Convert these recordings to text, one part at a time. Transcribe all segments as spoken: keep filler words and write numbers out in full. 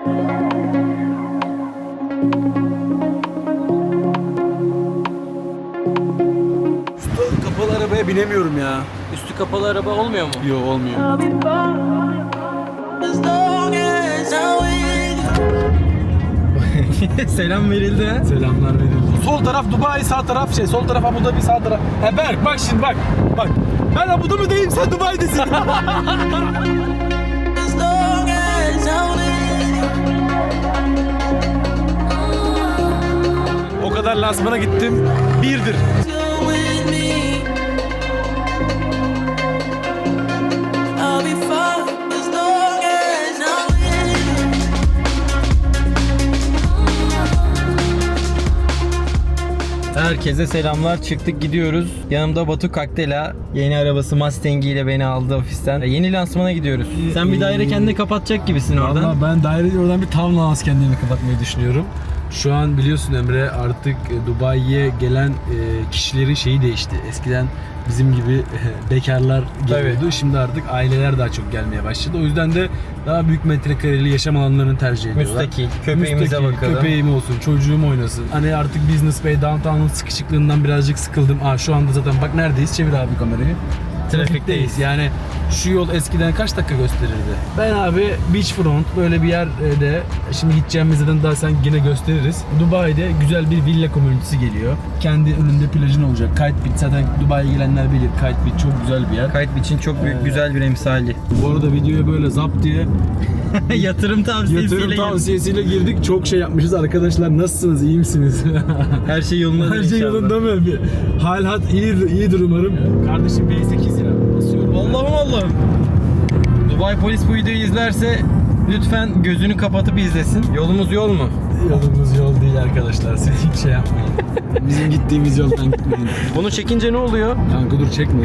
Üstü kapalı arabaya binemiyorum ya. Üstü kapalı araba olmuyor mu? Yok, olmuyor. Selam verildi ha. Selamlar verildi. Sol taraf Dubai, sağ taraf şey, sol taraf Abu Dhabi, sağ taraf. He Berk bak şimdi bak. Bak. Ben Abu Dhabi'deyim, sen Dubai'desin. O kadar lansmana gittim. Birdir. Herkese selamlar. Çıktık gidiyoruz. Yanımda Batu Kaktela. Yeni arabası Mustang ile beni aldı ofisten. Yeni lansmana gidiyoruz. Sen bir daire kendini kapatacak gibisin oradan. Valla ben daireyi oradan bir townhouse kendimi kapatmayı düşünüyorum. Şu an biliyorsun Emre, artık Dubai'ye gelen kişilerin şeyi değişti. Eskiden bizim gibi bekarlar geliyordu. Tabii. Şimdi artık aileler daha çok gelmeye başladı. O yüzden de daha büyük metrekareli yaşam alanlarını tercih ediyorlar. Müstakil, köpeğimize Müstakil, bakalım. köpeğim olsun, çocuğum oynasın. Hani artık Business Bay, Downtown'un sıkışıklığından birazcık sıkıldım. Aa şu anda zaten bak neredeyiz? Çevir abi kamerayı. Trafikteyiz. Yani şu yol eskiden kaç dakika gösterirdi? Ben abi beachfront böyle bir yerde, şimdi gideceğimiz zaten daha sen yine gösteririz. Dubai'de güzel bir villa komünitesi geliyor. Kendi önünde plajın olacak. Kite Beach, zaten Dubai'ye gelenler bilir. Kite Beach çok güzel bir yer. Kite Beach'in çok büyük, Ee, güzel bir emsali. Bu arada videoya böyle zap diye Yatırım tavsiyesiyle yatırım girdik. tavsiyesiyle girdik. Çok şey yapmışız arkadaşlar. Nasılsınız? İyi misiniz? Her şey yolunda Her şey yolunda mı? Bir hal hat iyi, iyidir umarım. Kardeşim B sekiz lira basıyorum. Allah'ım Allah'ım. Dubai polis bu videoyu izlerse lütfen gözünü kapatıp izlesin. Yolumuz yol mu? Yolumuz yol değil arkadaşlar. Siz hiç şey yapmayın. Bizim gittiğimiz yoldan gitmeyin. Bunu çekince ne oluyor? Kanka dur çekme.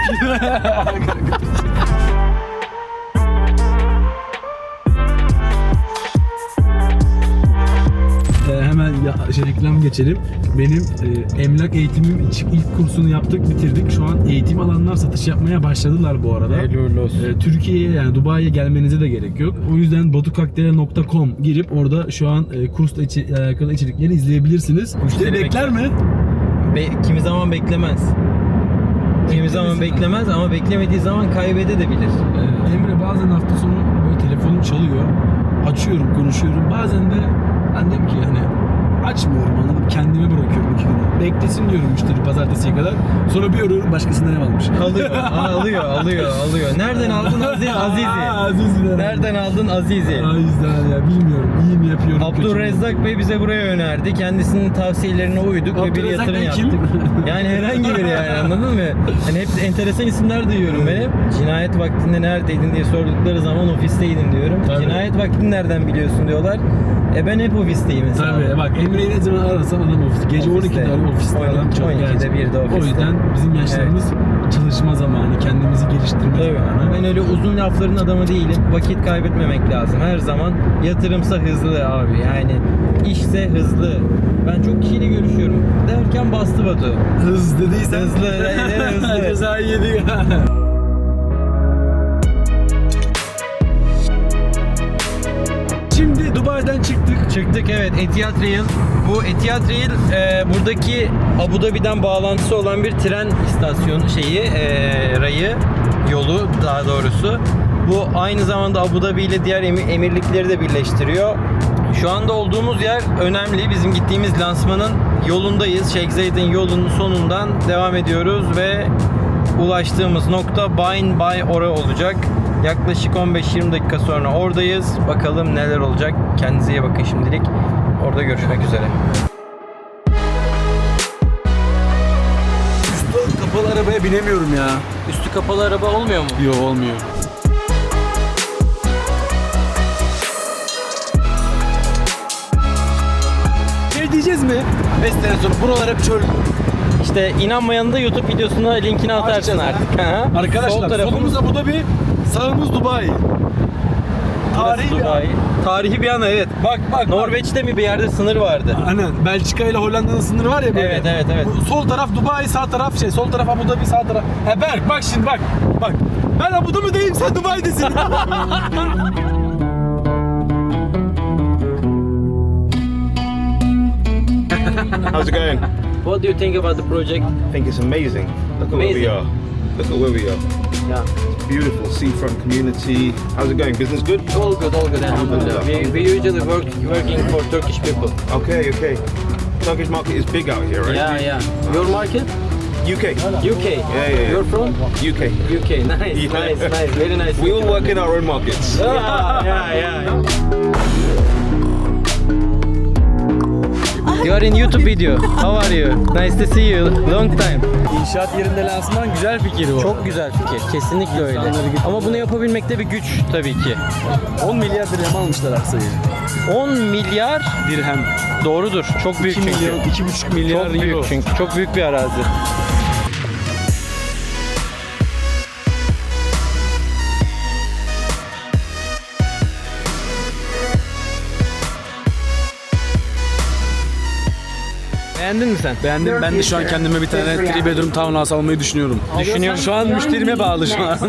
Ee, hemen ya, şey, reklam geçelim. Benim e, emlak eğitimim ilk, ilk kursunu yaptık, bitirdik. Şu an eğitim alanlar satış yapmaya başladılar bu arada. Hayırlı olsun. Ee, Türkiye'ye yani Dubai'ye gelmenize de gerek yok. O yüzden batukaktela nokta com girip orada şu an e, kursla içi, alakalı içerikleri izleyebilirsiniz. Müşteri bekler mi? Be- kimi zaman beklemez. Kimi zaman beklemez ama beklemediği zaman kaybedebilir. Ee, Emre bazen hafta sonu böyle telefonum çalıyor. Açıyorum, konuşuyorum. Bazen de ben diyorum ki hani açmıyorum, anladım. Kendime bırakıyorum iki gün. Beklesin diyorum müşteri pazartesiye kadar. Sonra bir arıyorum, başkasından ev almış. Alıyor, Aa, alıyor, alıyor, alıyor. Nereden aldın Aziz? Azizi? Azizi. Nereden aldın Azizi? O yüzden ya bilmiyorum. İyi mi yapıyorum? kötü mü? Abdurrezzak Bey bize buraya önerdi. Kendisinin tavsiyelerine uyduk ve bir Abdurrezzak yatırım Bey yaptık. kim? Yani herhangi biri yani, anladın mı? Hani hep enteresan isimler duyuyorum ben hep. Cinayet vaktinde neredeydin diye sordukları zaman ofisteydim diyorum. Tabii. Cinayet vaktini nereden biliyorsun diyorlar. E ben hep ofisteyim mesela. Tabii bak Emre'yi ne zaman arasam adam ofis. Gece Ofiste. on ikide arıyor, ofiste adam çok on ikide gerçekten. birde ofiste. O yüzden bizim yaşlarımız çalışma zamanı, kendimizi geliştirme Tabii. zamanı. Ben öyle uzun lafların adamı değilim. Vakit kaybetmemek lazım. Her zaman yatırımsa hızlı abi. Yani işse hızlı. Ben çok kişiyle görüşüyorum. Derken bastı Batu. Hız dediysen Hızlı, evet, hızlı. Cezayı yedik. Şimdi Dubai'den çıktık. Çıktık evet, Etihad Rail. Bu Etihad Rail e, buradaki Abu Dhabi'den bağlantısı olan bir tren istasyonu şeyi, e, rayı, yolu daha doğrusu. Bu aynı zamanda Abu Dhabi ile diğer emir, emirlikleri de birleştiriyor. Şu anda olduğumuz yer önemli. Bizim gittiğimiz lansmanın yolundayız. Sheikh Zayed'in yolunun sonundan devam ediyoruz ve ulaştığımız nokta Bain Bay Ora olacak. Yaklaşık on beş yirmi dakika sonra oradayız. Bakalım neler olacak. Kendinize iyi bakın şimdilik. Orada görüşmek üzere. Üstü kapalı arabaya binemiyorum ya. Üstü kapalı araba olmuyor mu? Yok, olmuyor. Şey diyeceğiz mi? beş sene sonra buralar hep çöl. İşte inanmayanın da YouTube videosuna linkini atarsın Açacağız, artık. Ha? Arkadaşlar Sol tarafımız solumuz Abu Dhabi, sağımız Dubai. Tarihi bir Dubai. Tarihi bir yana evet. Bak bak. Norveç'te mi bir yerde sınır vardı? Aynen. Belçika ile Hollanda'nın sınırı var ya böyle. Evet, evet, evet. Bu sol taraf Dubai, sağ taraf şey, sol taraf Abu Dhabi, sağ taraf. He Berk bak şimdi bak. Bak. Ben Abu Dhabi'deyim, sen Dubai'desin. How's it going? What do you think about the project? I think it's amazing. Look at where we Amazing. are. Look at where we are. Yeah. Beautiful seafront community. How's it going? Business good? All good, all good. Alhamdulillah. We, we usually work working for Turkish people. Okay, okay. Turkish market is big out here, right? Yeah, yeah. Your market? U K. U K. Yeah, yeah, yeah. You're from? U K. U K. Nice, Yeah. nice, nice. Very nice. We all work in our own markets. Yeah, yeah, yeah. You are in YouTube video. How are you? Nice to see you. Long time. İnşaat yerinde lansman güzel fikir bu. Çok güzel fikir. Kesinlikle öyle. Ama bunu yapabilmekte bir güç tabii ki. on milyar dirhem almışlar arsayı. on milyar Dirhem. doğrudur. Çok büyük iki çünkü. milyon, iki buçuk milyar Çok büyük euro. çünkü. Çok büyük bir arazi. Beğendin mi sen? Beğendim. Ben de şu an kendime bir tane three bedroom townhouse almayı düşünüyorum. Düşünüyorum. Şu an müşterime bağlı şu an.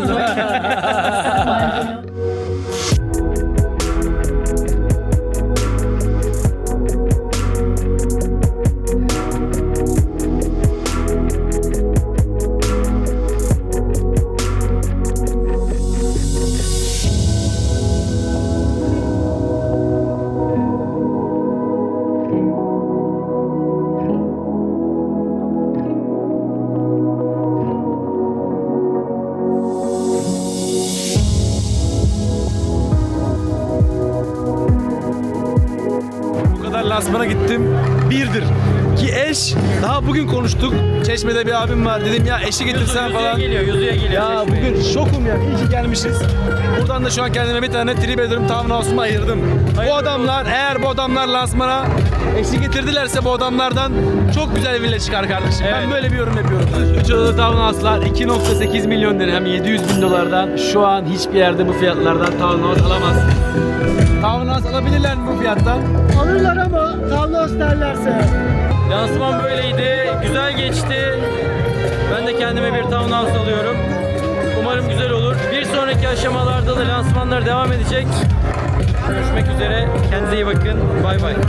Bu kadar lansmana gittim. Birdir. Ki eş, daha bugün konuştuk. Çeşme'de bir abim var. Dedim ya eşi getirsen Yüzüğe falan. geliyor, yüzüğe geliyor. Ya Çeşme'ye. bugün şokum ya. İyi ki gelmişiz. Buradan da şu an kendime bir tane three bedroom townhouse'umu ayırdım. Bu adamlar, eğer bu adamlar lansmana eşi getirdilerse bu adamlardan çok güzel villa çıkar kardeşim. Ben Evet. böyle bir yorum yapıyorum. üç odalı townhouse'lar iki nokta sekiz milyon dirhem, yedi yüz bin dolardan. Şu an hiçbir yerde bu fiyatlardan townhouse alamazsın. Townhouse alabilirler mi bu fiyattan? Alırlar ama townhouse derlerse. Lansman böyleydi. Güzel geçti. Ben de kendime bir townhouse alıyorum. Umarım güzel olur. Bir sonraki aşamalarda da lansmanlar devam edecek. Görüşmek üzere. Kendinize iyi bakın. Bay bay.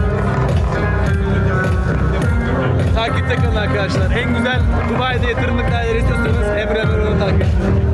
Takipte kalın arkadaşlar. En güzel Dubai'de yatırımlık daire istiyorsanız Emre Emre'yi takip edin.